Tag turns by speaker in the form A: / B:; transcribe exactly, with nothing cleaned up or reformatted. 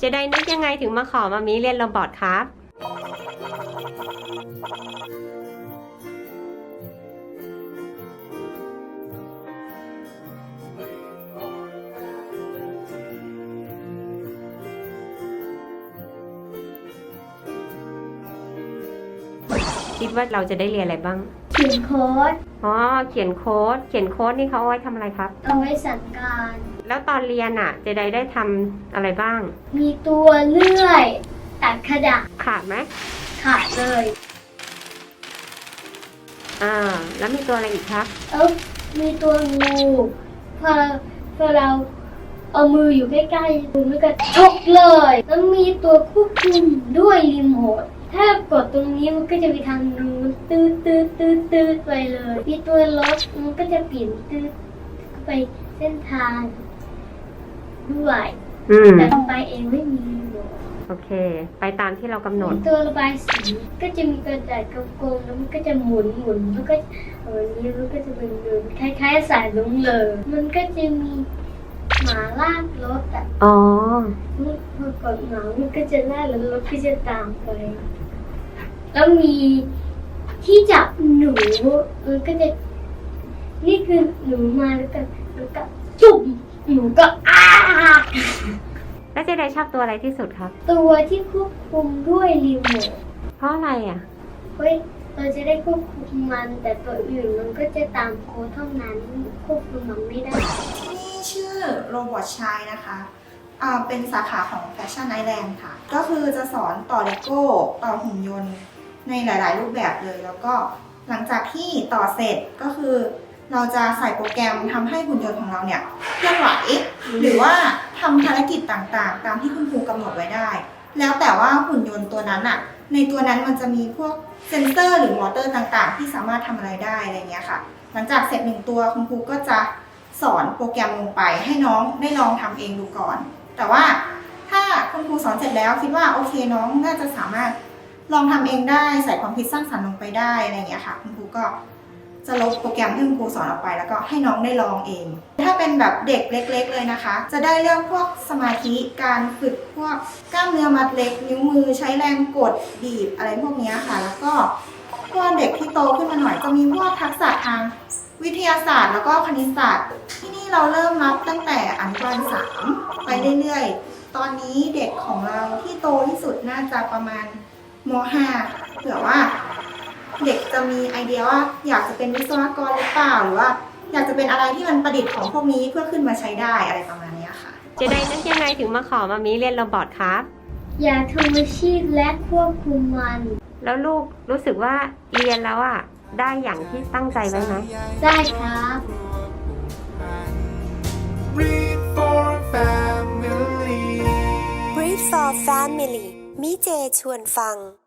A: จะได้นึกยังไงถึงมาขอมามีเรียนโรบอทครับคิดว่าเราจะได้เรียนอะไรบ้าง
B: เขียนโค้ด
A: อ๋อเขียนโค้ดเขียนโค้ดนี่เขาเอาไว้ทำอะไรครับ
B: เอาไว้สั่งการ
A: แล้วตอนเรียนอ่ะเจไดได้ทำอะไรบ้าง
B: มีตัวเลื่อยตัดกระดาษ
A: ขาดไหม
B: ขาดเลย
A: อ่าแล้วมีตัวอะไรอีกครับ
B: เออมีตัวงูพอพอเราเอามืออยู่ใกล้ๆมันก็ชกเลยแล้วมีตัวควบคุมด้วยรีโมทถ้ากดตรงนี้มันก็จะไปทางนู้นตืดตืดตืดตืดไปเลยมีตัวรถมันก็จะเปลี่ยนตืดไปเส้นทางด้วยแต่ไปเองไม่มีรีโมท
A: โอเคไปตามที่เรากำหนด
B: ตัวระบายสีก็จะมีกระดาษกลมๆแล้วมันก็จะหมุนหมุนแล้วก็เออนี้มันก็จะเป็นเดินคล้ายๆสายลุงเลยมันก็จะมีหมาลากรถอ่ะ
A: อ๋อ
B: พอกดหมามันก็จะลากแล้วรถก็จะตามไปแล้วมีที่จับหนูมันก็จะนี่คือหนูมาแล้วก็แล้วก็จุ่มหนูก็อ้า
A: แล้วเจไดชอบตัวอะไรที่สุดครับ
B: ตัวที่ควบคุมด้วยรีโมท
A: เพราะอะไรอ่ะ
B: เฮ้ยเราจะได้ควบคุมมันแต่ตัวอื่นมันก็จะตามโค้ดเท่านั้นควบคุมมันไม่ได้
C: ที่นี่ชื่อโรบอทชายนะคะอ่าเป็นสาขาของแฟชั่นไอแลนด์ค่ะก็คือจะสอนต่อเลโก้ต่อหุ่นยนต์ในหลายๆรูปแบบเลยแล้วก็หลังจากที่ต่อเสร็จก็คือเราจะใส่โปรแกรมทำให้หุ่นยนต์ของเราเนี่ยเคลื่อนไหวหรือว่าทำภารกิจต่างๆตามที่คุณครูกำหนดไว้ได้แล้วแต่ว่าหุ่นยนต์ตัวนั้นอ่ะในตัวนั้นมันจะมีพวกเซนเซอร์หรือมอเตอร์ต่างๆที่สามารถทำอะไรได้อะไรเงี้ยค่ะหลังจากเสร็จหนึ่งตัวคุณครูก็จะสอนโปรแกรมลงไปให้น้องได้ลองทำเองดูก่อนแต่ว่าถ้าคุณครูสอนเสร็จแล้วคิดว่าโอเคน้องน่าจะสามารถลองทำเองได้ใส่ความคิดสร้างสรรค์ลงไปได้อะไรเงี้ยค่ะคุณครูก็จะลบโปรแกรมที่คุณครูสอนออกไปแล้วก็ให้น้องได้ลองเองถ้าเป็นแบบเด็กเล็กๆเลยนะคะจะได้เรื่องพวกสมาธิการฝึกพวกกล้ามเนื้อมัดเล็กนิ้วมือใช้แรงกดบีบอะไรพวกนี้ค่ะแล้วก็พวกเด็กที่โตขึ้นมาหน่อยจะมีพวกทักษะทางวิทยาศาสตร์แล้วก็คณิตศาสตร์ที่นี่เราเริ่มรับตั้งแต่อนุบาลสามไปเรื่อยๆตอนนี้เด็กของเราที่โตที่สุดน่าจะประมาณม ห้า เผื่อว่าเด็กจะมีไอเดียว่าอยากจะเป็นวิศวกรหรือเปล่าหรือว่าอยากจะเป็นอะไรที่มันประดิษฐ์ของพวกนี้เพื่อขึ้นมาใช้ได้อะไรประมาณนี้ค่ะ
A: เจไดนึกยังไงถึงมาขอมามีเรียนโรบอทครับ
B: อยากทำอาชีพและควบคุมมัน
A: แล้วลูกรู้สึกว่าเรียนแล้วอ่ะได้อย่างที่ตั้งใจไว้ไหม
B: ได้ครับ
D: Read for Family
E: Read for Family มิเจชวนฟัง